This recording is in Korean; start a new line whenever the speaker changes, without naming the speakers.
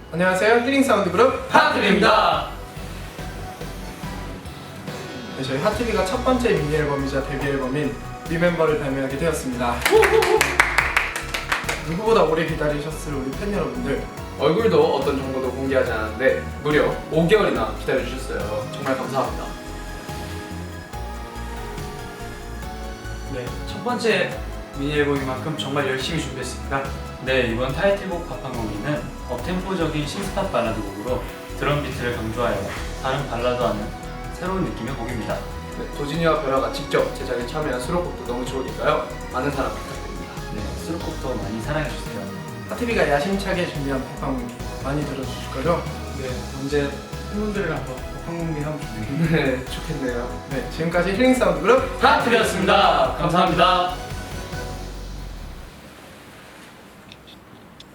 안녕하세요. 힐링 사운드 그룹
하트비입니다.
네, 저희 하트비가 첫 번째 미니 앨범이자 데뷔 앨범인 리멤버를 발매하게 되었습니다. 누구보다 오래 기다리셨을 우리 팬 여러분들,
얼굴도 어떤 정보도 공개하지 않았는데 무려 5개월이나 기다려주셨어요. 정말 감사합니다.
네, 첫 번째 미니 앨범인 만큼 정말 열심히 준비했습니다.
네, 이번 타이틀곡 밥한공기는 업템포적인 신스팝 발라드 곡으로 드럼 비트를 강조하여 다른 발라드와는 새로운 느낌의 곡입니다.
네, 도진이와 벼라가 직접 제작에 참여한 수록곡도 너무 좋으니까요. 많은 사랑 부탁드립니다.
네, 수록곡도 많이 사랑해주세요.
하트비가 야심차게 준비한 팝방문기 많이 들어주실 거죠?
네, 언제 팬분들이랑 한번 방문기 하면 좋겠네요.
네, 좋겠네요.
네, 지금까지 힐링 사운드 그룹
하트비였습니다. 감사합니다.